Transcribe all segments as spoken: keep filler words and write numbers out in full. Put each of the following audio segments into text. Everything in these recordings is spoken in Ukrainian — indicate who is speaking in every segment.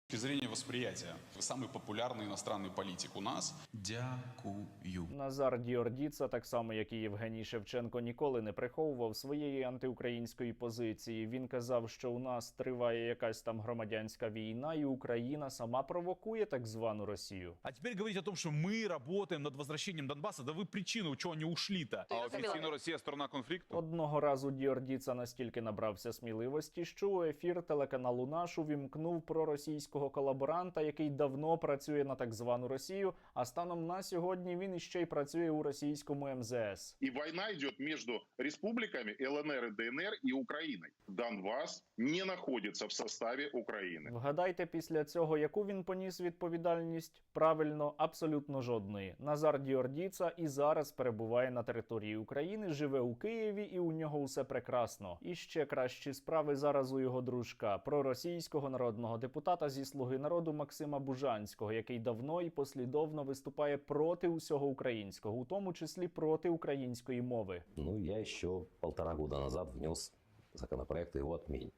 Speaker 1: С точки зрения восприятия, вы самый популярный иностранный политик у нас. Дякую.
Speaker 2: Назар Діордіца, так само як і Євгеній Шевченко, ніколи не приховував своєї антиукраїнської позиції. Він казав, що у нас триває якась там громадянська війна, і Україна сама провокує так звану Росію.
Speaker 3: А теперь говорить о том, что мы работаем над возвращением Донбасса, да вы причину, чего они ушли-то.
Speaker 1: А офіційно Росія сторона конфлікту?
Speaker 2: Одного разу Діордіца настільки набрався сміливості, що у ефір телеканалу «Наш» увімкнув проросійського колаборанта, який давно працює на так звану Росію, а станом на сьогодні він іще й працює у російському ем зе ес.
Speaker 4: И война идет между республиками ел ен ер и де ен ер и Украиной. Донбасс не находится в составе Украины.
Speaker 2: Вгадайте після цього, яку він поніс відповідальність? Правильно, абсолютно жодної. Назар Діордіца і зараз перебуває на території України, живе у Києві і у нього усе прекрасно. І ще кращі справи зараз у його дружка, проросійського народного депутата зі «Слуги народу» Максима Бужанського, який давно і послідовно виступає проти усього українського, у тому числі проти української мови.
Speaker 5: Ну, я еще полтора года назад внес законопроект о его отмене.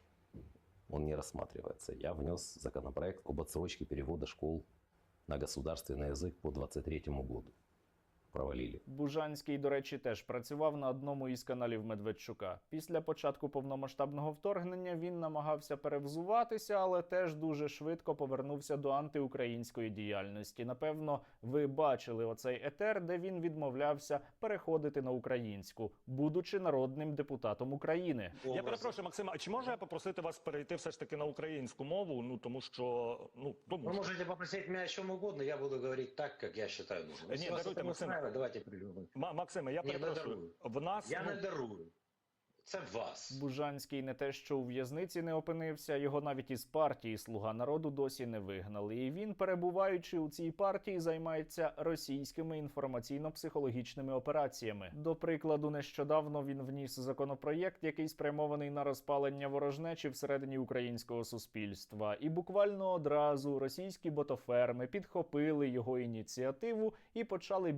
Speaker 5: Он не рассматривается. Я внес законопроект об отсрочке перевода школ на государственный язык по двадцать третьему году. Провалили.
Speaker 2: Бужанський, до речі, теж працював на одному із каналів Медведчука. Після початку повномасштабного вторгнення він намагався перевзуватися, але теж дуже швидко повернувся до антиукраїнської діяльності. Напевно, ви бачили оцей етер, де він відмовлявся переходити на українську, будучи народним депутатом України.
Speaker 6: Я перепрошую, Максима, а чи можу я попросити вас перейти все ж таки на українську мову? Ну, тому що... Ну, тому
Speaker 7: Вы
Speaker 6: що...
Speaker 7: можете попросить меня о чем угодно, я буду говорить так, как я считаю нужным. Если
Speaker 6: Нет,
Speaker 7: вас
Speaker 6: даруйте,
Speaker 7: это не
Speaker 6: Максим.
Speaker 7: устраивает, давайте придумаем.
Speaker 6: Ма- Максиме, я
Speaker 7: Ні, не
Speaker 6: перепрошую.
Speaker 7: дарую.
Speaker 6: В нас...
Speaker 7: Я
Speaker 6: ну,
Speaker 7: не дарую. Це вас.
Speaker 2: Бужанський не те, що у в'язниці не опинився, його навіть із партії «Слуга народу» досі не вигнали. І він, перебуваючи у цій партії, займається російськими інформаційно-психологічними операціями. До прикладу, нещодавно він вніс законопроєкт, який спрямований на розпалення ворожнечі всередині українського суспільства. І буквально одразу російські ботоферми підхопили його ініціативу і почали